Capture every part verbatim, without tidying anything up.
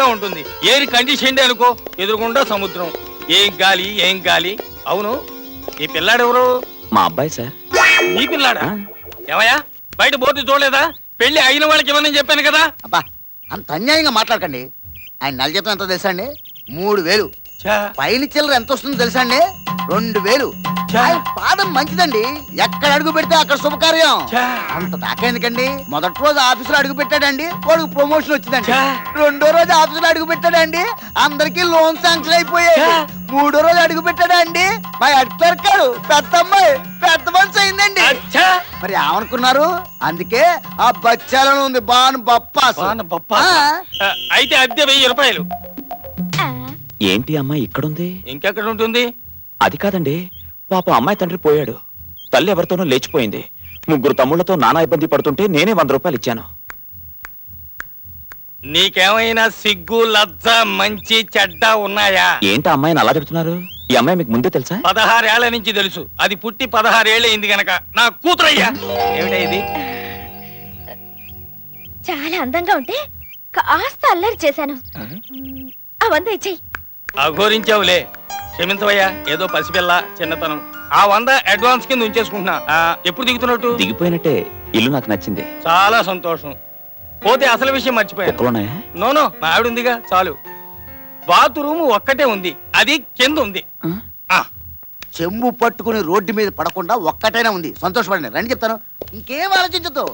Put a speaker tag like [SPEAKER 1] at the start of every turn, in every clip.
[SPEAKER 1] చల్లగా ఉంటుంది. ఏరి కండిషన్ అనుకో, ఎదురుకుండా సముద్రం. ఏం గాలి ఏం గాలి. అవును, ఈ పిల్లాడెవరు?
[SPEAKER 2] మా అబ్బాయి సార్.
[SPEAKER 1] నీ పిల్లాడా? ఏమయ్యా, బయట బోర్డు చూడలేదా? పెళ్లి అయిన వాళ్ళకి ఇవ్వనని చెప్పాను కదా.
[SPEAKER 3] అబ్బా, అంత అన్యాయంగా మాట్లాడకండి. ఆయన నెల జీతం ఎంత తెలుసా అండి? మూడు వేలు. పైన చిల్లర ఎంత వస్తుందో తెలుసా అండి? రెండు వేలు. ఆయన పాదం మంచిదండి, ఎక్కడ అడుగు పెడితే అక్కడ శుభకార్యం. అంత దాకా ఎందుకండి? మొదటి రోజు ఆఫీసులో అడుగు పెట్టాడండి, వాడికి ప్రమోషన్ వచ్చిందండి. రెండో రోజు ఆఫీసులో అడుగు పెట్టాడండి, అందరికి లోన్ శాంక్షన్ అయిపోయాయి. మూడో రోజు అడుగు పెట్టాడండి, మా హెడ్ క్లర్క్ గారు పెద్ద అమ్మాయి పెద్ద మనిషి అయిందండి. మరి ఏమనుకున్నారు? అందుకే ఆ బచ్చాలను ఉంది బాను బప్పాస్.
[SPEAKER 1] అయితే అద్దె వెయ్యి రూపాయలు.
[SPEAKER 2] ఏంటి అమ్మాయి ఇక్కడుంది?
[SPEAKER 1] ఇంకెక్కడ ఉంటుంది?
[SPEAKER 2] అది కాదండి, పాప అమ్మాయి తండ్రి పోయాడు, తల్లి ఎవరితోనో లేచిపోయింది. ముగ్గురు తమ్ముళ్లతో నానా ఇబ్బంది పడుతుంటే నేనే వంద రూపాయలు ఇచ్చాను.
[SPEAKER 1] నీకేమైనా సిగ్గు లజ్జ మంచి చెడ్డ ఉన్నాయా?
[SPEAKER 2] ఏంటి అమ్మాయిని అలా తిడుతున్నారు? ఈ అమ్మాయి మీకు ముందే తెలుసా?
[SPEAKER 1] పదహారేళ్ల నుంచి తెలుసు. అది పుట్టి పదహారేళ్ళు అయింది గనక నా కూతురయ్యా. ఏమిటా ఇది?
[SPEAKER 4] చాలా అందంగా ఉంటే కాస్త అల్లరి చేశాను. ఆ వంద ఇచ్చేయి.
[SPEAKER 1] అఘోరించావులే, క్షమించవయ్యా. ఏదో పసిపిల్ల చిన్నతనం. ఆ వంద అడ్వాన్స్ కింద ఉంచేసుకుంటున్నా. ఎప్పుడు దిగుతున్నట్టు?
[SPEAKER 2] దిగిపోయినట్టే. ఇల్లు నాకు నచ్చింది.
[SPEAKER 1] చాలా సంతోషం. పోతే అసలు విషయం మర్చిపోయాను. నోనో, మా ఆవిడ ఉందిగా చాలు. బాత్రూమ్ ఒక్కటే ఉంది, అది కింద ఉంది.
[SPEAKER 3] చెంబు పట్టుకుని రోడ్డు మీద పడకుండా ఒక్కటైనా ఉంది. సంతోషపడండి. రండి చెప్తాను, ఇంకేం ఆలోచించదు.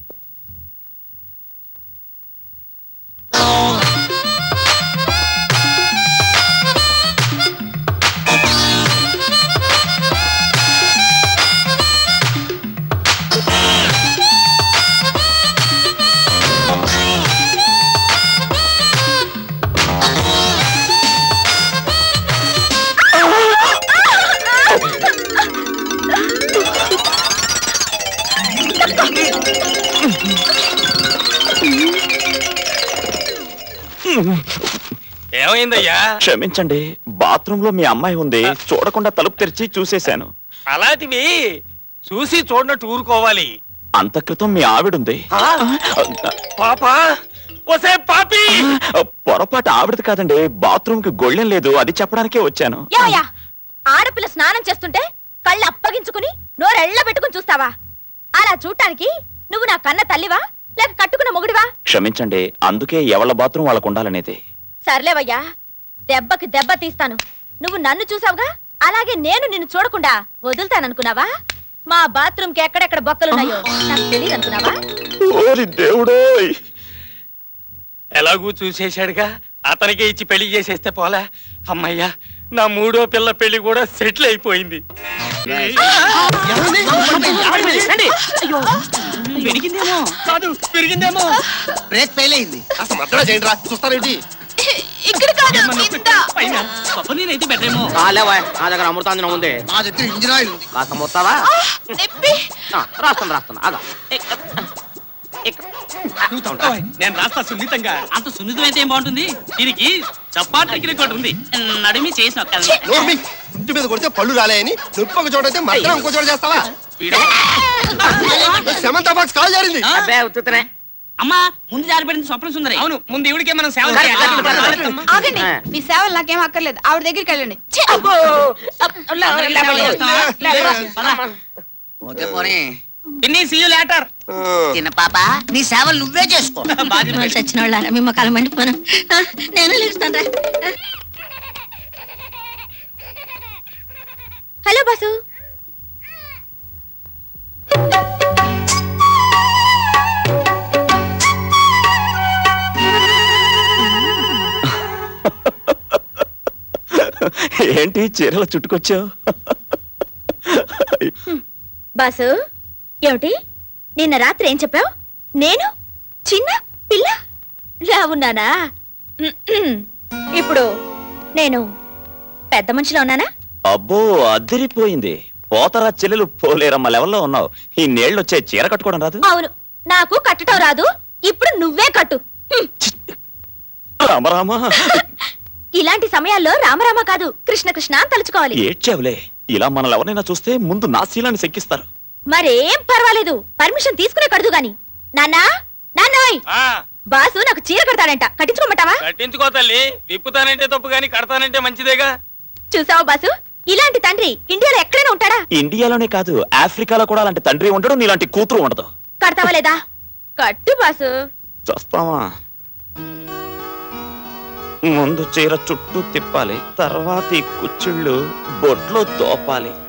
[SPEAKER 1] ఏమైందయ్యా?
[SPEAKER 2] క్షమించండి, బాత్రూమ్ లో మీ అమ్మాయి ఉంది, చూడకుండా తలుపు తెరిచి చూసేశాను.
[SPEAKER 1] అలాంటివి చూసి చూడనట్టు ఊరుకోవాలి.
[SPEAKER 2] అంత క్రితం మీ ఆవిడుంది.
[SPEAKER 1] పాపా, ఒసే పాపి!
[SPEAKER 2] పొరపాటు ఆవిడది కాదండి, బాత్రూమ్ కి గొళ్ళెం లేదు, అది చెప్పడానికే వచ్చాను.
[SPEAKER 4] ఆడపిల్ల స్నానం చేస్తుంటే కళ్ళు అప్పగించుకుని నోరెళ్ళ పెట్టుకుని చూస్తావా? అలా చూడటానికి నువ్వు నా కన్న తల్లివా లేక కట్టుకున్న మొగుడివా?
[SPEAKER 2] క్షమించండి, అందుకే ఎవళ్ళ బాత్రూమ్ వాళ్ళకు ఉండాలనేది.
[SPEAKER 4] సర్లేవయ్యా, దెబ్బకి దెబ్బ తీస్తాను. నువ్వు నన్ను చూసావుగా, అలాగే నేను నిన్ను చూడకుండా వదులుతాననుకున్నావా? మా బాత్రూమ్ కి ఎక్కడెక్కడ బొక్కలున్నాయో నాకు తెలియదు అనుకున్నావా?
[SPEAKER 2] దేవుడోయ్,
[SPEAKER 1] ఎలాగూ చూసేశాడుగా, అతనికే ఇచ్చి పెళ్లి చేసేస్తే పోలా. అమ్మయ్యా, నా మూడో పిల్ల పెళ్లి కూడా సెటిల్ అయిపోయింది. పెరిగిందేమో,
[SPEAKER 3] బ్రేక్ ఫెయిల్ అయింది.
[SPEAKER 5] అసలు మద్దతు చేయండి రా, చూస్తారేంటి?
[SPEAKER 4] ఇక్కడ కాదు,
[SPEAKER 6] నా దగ్గర అమృతాంజనం ఉంది.
[SPEAKER 3] నా దగ్గర ఇంజిన్ ఆయిల్ ఉంది.
[SPEAKER 6] కాస్త మొత్తావా? రాస్తాను రాస్తాను అదా.
[SPEAKER 1] నేను రాస్తా సున్నితంగా.
[SPEAKER 7] అంత సున్నితమైతే ఏం బాగుంటుంది? దీనికి చపాతీ రికార్డు ఉంది, నడిమి చేసిన
[SPEAKER 5] ఇంటి మీద కొడితే పళ్ళు రాలేని నొప్పి ఒక చోట అయితే మధ్య ఇంకో చోట చేస్తావా? సెమంత బాక్స్ కాల్ జారింది.
[SPEAKER 6] అబ్బే ఉత్తుతనే.
[SPEAKER 7] అమ్మా, ముందు జారిపడింది స్వప్న సుందరి.
[SPEAKER 1] అవును, ముందు ఇవిడికే మనం సేవ
[SPEAKER 8] ఆగండి, మీ సేవలు నాకేం అక్కర్లేదు. ఆవిడ దగ్గరికి వెళ్ళండి.
[SPEAKER 3] ఓకే పోనీ.
[SPEAKER 8] చిన్న పాప, నీ సేవలు నువ్వే చేసుకో.
[SPEAKER 4] చచ్చిన వాళ్ళ మీ మొక్కలు మండిపోను. నేను లేస్తాను. Hello boss.
[SPEAKER 2] ఏంటి చీరలు చుట్టుకొచ్చావు?
[SPEAKER 4] బాసు, ఏమిటి నిన్న రాత్రి ఏం చెప్పావు? నేను చిన్న పిల్ల రావున్నానా? ఇప్పుడు నేను పెద్ద మనిషిలో ఉన్నానా?
[SPEAKER 2] అబ్బో, అదిరిపోయింది. పోతరా చెల్లెలు పోలేరమ్మ లెవెల్లో ఉన్నావు. ఈ నీళ్ళు వచ్చే చీర కట్టుకోవడం రాదు?
[SPEAKER 4] అవును, నాకు కట్టడం రాదు. ఇప్పుడు నువ్వే కట్టు.
[SPEAKER 2] రామరామా.
[SPEAKER 4] ఇలాంటి సమయాల్లో రామరామ కాదు, కృష్ణ కృష్ణ అని తలుచుకోవాలి.
[SPEAKER 2] ఏడ్చావులే, ఇలా మనల్ని ఎవరైనా చూస్తే ముందు నా శీలాన్ని శంకిస్తారు.
[SPEAKER 4] మరేం పర్వాలేదు, పర్మిషన్ తీసుకునే కడదు గాని. నాన్నా, నాన్నోయ్, బాసు నాకు చీర కడతాడంట కట్టించుకోమంటావా?
[SPEAKER 1] కట్టించుకో తల్లి. విప్పుతానంటే తప్పు గాని కడతానంటే మంచిదేగా.
[SPEAKER 4] చూసావా బాసు, ఇలాంటి తండ్రి ఇండియాలో ఎక్కడైనా ఉంటాడా?
[SPEAKER 2] ఇండియాలోనే కాదు, ఆఫ్రికాలో కూడా అలాంటి తండ్రి ఉండడు, నీలాంటి కూతురు ఉండదు.
[SPEAKER 4] కడతావా లేదా? కట్టు బాసు.
[SPEAKER 2] చూస్తావా? ముందు చీర చుట్టూ తిప్పాలి, తర్వాత ఈ కుచ్చిళ్ళు బొట్లో తోపాలి.